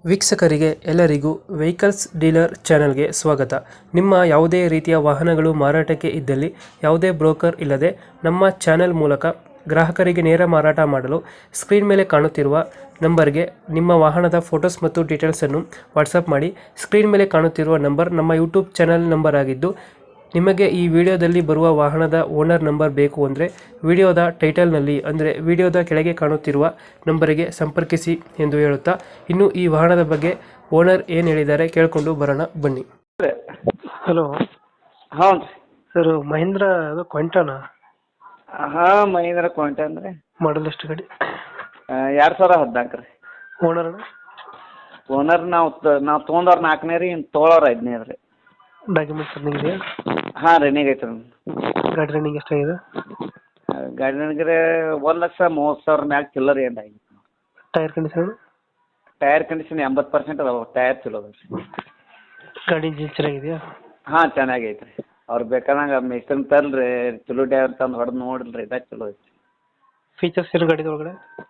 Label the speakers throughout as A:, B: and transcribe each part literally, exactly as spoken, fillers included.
A: ವೀಕ್ಷಕರಿಗೆ ಎಲ್ಲರಿಗೂ vehicles dealer ಚಾನೆಲ್ಗೆ ಸ್ವಾಗತ. ನಿಮ್ಮ ಯಾವುದೇ ರೀತಿಯ ವಾಹನಗಳು ಮಾರಾಟಕ್ಕೆ ಇದ್ದಲ್ಲಿ ಯಾವುದೇ ಬ್ರೋಕರ್ ಇಲ್ಲದೆ ನಮ್ಮ ಚಾನೆಲ್ ಮೂಲಕ ಗ್ರಾಹಕರಿಗೆ ನೇರ ಮಾರಾಟ ಮಾಡಲು ಸ್ಕ್ರೀನ್ ಮೇಲೆ ಕಾಣುತ್ತಿರುವ ನಂಬರ್ಗೆ ನಿಮ್ಮ ವಾಹನದ ಫೋಟೋಸ್ ಮತ್ತು ಡೀಟೇಲ್ಸನ್ನು ವಾಟ್ಸಪ್ ಮಾಡಿ. ಸ್ಕ್ರೀನ್ ಮೇಲೆ ಕಾಣುತ್ತಿರುವ ನಂಬರ್ ನಮ್ಮ ಯೂಟ್ಯೂಬ್ ಚಾನೆಲ್ ನಂಬರ್ ಆಗಿದ್ದು, ನಿಮಗೆ ಈ ವಿಡಿಯೋದಲ್ಲಿ ಬರುವ ವಾಹನದ ಓನರ್ ನಂಬರ್ ಬೇಕು ಅಂದರೆ ವಿಡಿಯೋದ ಟೈಟಲ್ನಲ್ಲಿ ಅಂದರೆ ವಿಡಿಯೋದ ಕೆಳಗೆ ಕಾಣುತ್ತಿರುವ ನಂಬರಿಗೆ ಸಂಪರ್ಕಿಸಿ ಎಂದು ಹೇಳುತ್ತಾ, ಇನ್ನು ಈ ವಾಹನದ ಬಗ್ಗೆ ಓನರ್ ಏನು ಹೇಳಿದ್ದಾರೆ ಕೇಳಿಕೊಂಡು ಬರೋಣ ಬನ್ನಿ. ಹಲೋ,
B: ಹ್ಞೂ ರೀ
A: ಸರ್ ಮಹೇಂದ್ರ ಅದು ಕ್ವೆಂಟಾನಾ?
B: ಹಾಂ, ಮಹೇಂದ್ರ ಕ್ವಾಂಟನ್ ರೀ.
A: ಮಾಡಲ್ ಎಷ್ಟು ಗಾಡಿ?
B: ಎರಡು ಸಾವಿರ ಹದಿನಾಲ್ಕು ರೀ.
A: ಓನರ್
B: ಓನರ್ ನಾವು ನಾವು ತೊಗೊಂಡವ್ರು ನಾಲ್ಕನೇ ರೀ, ಇನ್ನು ತೊಗೊಳೋರು ಐದನೇ ರೀ.
A: ಡಾಕ್ಯುಮೆಂಟ್ಸ್ ರನ್ನಿಂಗ್ ಇದೆಯಾ?
B: ಹಾಂ, ರನ್ನಿಂಗ್ ಐತೆ ರೀ.
A: ಗಾಡಿ ರನ್ನಿಂಗ್ ಎಷ್ಟಾಗಿದೆ?
B: ಗಾಡಿ ನನಗೆ ಒಂದು ಲಕ್ಷ ಮೂವತ್ತು ಸಾವಿರ ಮ್ಯಾಗ ಚಿಲ್ಲರ್ ಏನು ಆಗಿದೆ.
A: Tyre condition?
B: ಟೈರ್ ಕಂಡೀಷನ್ ಎಂಬತ್ತು ಪರ್ಸೆಂಟ್ ಅದಾವೆ. ಟೈರ್ ಚಲೋ ಅದಾವೆ ರೀ.
A: ಗಾಡಿ ಇಂಜಿನ್ ಚೆನ್ನಾಗಿದೆಯಾ?
B: ಹಾಂ, ಚೆನ್ನಾಗೈತೆ ರೀ. ಅವ್ರು ಬೇಕಾದಂಗೆ ಮಿಸ್ತ್ರಿ ತರ್ರಿ, ಚಲೋ ಡ್ರೈವರ್ ತಂದು ಹೊಡೆದು ನೋಡಿಲ್ರಿ, ಇದಾಗ ಚಲೋ ಐತಿ.
A: ಫೀಚರ್ಸ್ ಏನು ಗಾಡಿ ಒಳಗಡೆ?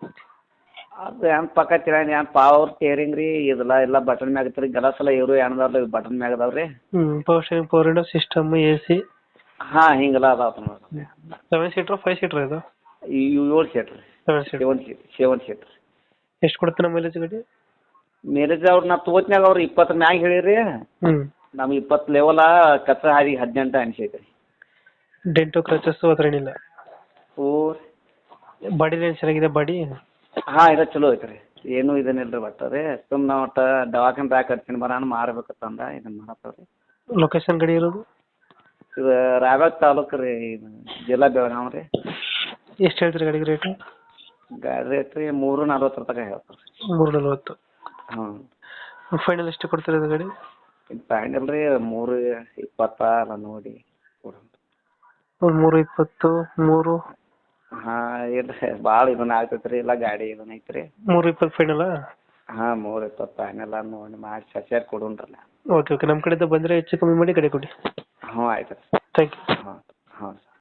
B: ಅದು ಏನು ಪಕ್ಕ ಚೆನ್ನಾಗಿ ಏನು ಪವರ್ ಸ್ಟೇರಿಂಗ್ ರೀ, ಇದೆಲ್ಲ ಎಲ್ಲ ಬಟನ್ ಮ್ಯಾಗ ಐತೆ ರೀ. ಗಲಾಸ್ ಎಲ್ಲ ಇವರು ಏನದಾವ್ರಿ ಬಟನ್ ಮ್ಯಾಗ ಅದಾವೆ ರೀ.
A: ಹ್ಞೂ power steering, power window system, A C?
B: ಹಾಂ, ಹಿಂಗೆಲ್ಲ ಅದಾವೆ ನೋಡಿರಿ.
A: ಸೆವೆನ್ ಸೀಟ್ರ್ ಫೈವ್ ಸೀಟ್ರ್ ಇದು?
B: ಏಳು ಸೀಟ್ ರೀ.
A: Seven seat.
B: Seven seat seven seat ರೀ.
A: ಎಷ್ಟು ಕೊಡುತ್ತೆ ನಮ್ಮ ಮೈಲೇಜ್ ಗಾಡಿ?
B: ಮೇರೇಜ್ ಅವ್ರು ನಾ ತೋತ್ನಾಗ ಅವ್ರು ಇಪ್ಪತ್ತರ ಮ್ಯಾಗ ಹೇಳಿರಿ.
A: ಹ್ಞೂ
B: ನಮ್ಗೆ ಇಪ್ಪತ್ತು ಲೆವಲ ಕಚ್ಚಾ ಹಾದಿಗೆ ಹದಿನೆಂಟು ಅನಿಸೈತೆ ರೀ.
A: ಡೆಂಟು ಕ್ರಚಸ್ಸು ಹತ್ರ ಏನಿಲ್ಲ?
B: ಓ
A: ಬಾಡಿ ಲೈನ್ ಚೆನ್ನಾಗಿದೆ ಬಾಡಿ?
B: ಹಾಂ, ಇದು ಚಲೋ ಐತೆ ರೀ. ಏನೂ ಇದನ್ನಿಲ್ಲ ರೀ. ಒಟ್ಟು ರೀ ಸುಮ್ಮನೆ ನಾವು ಒಟ್ಟು ದವಾಖಾನೆ ಬ್ಯಾಗ್ ಕಟ್ತೀನಿ ಬರೋಣ ಮಾರ್ಬೇಕಂದ ಇದನ್ನು ಮಾಡತ್ತವ ರೀ.
A: ಲೊಕೇಶನ್ ಗಾಡಿ ಇರೋದು?
B: ಇದು ರಾಯಬಾಗ ತಾಲೂಕು ರೀ, ಇದು ಜಿಲ್ಲಾ ಬೆಳಗಾವಿ ರೀ.
A: ಎಷ್ಟು ಹೇಳ್ತೀರಿ ಗಾಡಿಗೆ ರೇಟು?
B: ಗಾಡಿ ರೇಟ್ ರೀ ಮೂರು ನಲ್ವತ್ತರ ತನಕ ಹೇಳ್ತಾರೆ ರೀ.
A: ಮೂರು ನಲ್ವತ್ತು.
B: ಹ್ಞೂ.
A: ಫೈನಲ್ ಎಷ್ಟು ಕೊಡ್ತೀರಿ ಅದು ಗಾಡಿ?
B: ಇದು ಫೈನಲ್ ರೀ ಮೂರು ಇಪ್ಪತ್ತ ಎಲ್ಲ ನೋಡಿ ಕೊಡೋಣ.
A: ಒಂದು ಮೂರು ಇಪ್ಪತ್ತು, ಮೂರು?
B: ಹಾಂ, ಇಲ್ರಿ ಭಾಳ ಇದನ್ನ ಆಗ್ತೈತೆ ರೀ. ಇಲ್ಲ ಗಾಡಿ ಇದನ್ನ ಐತೆ ರೀ.
A: ಮೂರು ಇಪ್ಪತ್ತು ಫೈನಲ್ಲಾ?
B: ಹಾಂ, ಮೂರು ಇಪ್ಪತ್ತು ಫೈನಲ್ ನೋಡಿ ಮಾಡಿ ಸಸ್ಯಾರು ಕೊಡೋಣ್ರಲ್ಲ.
A: ಓಕೆ ಓಕೆ, ನಮ್ಮ ಕಡೆಯಿಂದ ಬಂದರೆ ಹೆಚ್ಚು ಕಮ್ಮಿ ಮಾಡಿ ಗಾಡಿ ಕೊಡಿ.
B: ಹ್ಞೂ, ಆಯ್ತು ರೀ.
A: Thank you.
B: ಹಾಂ.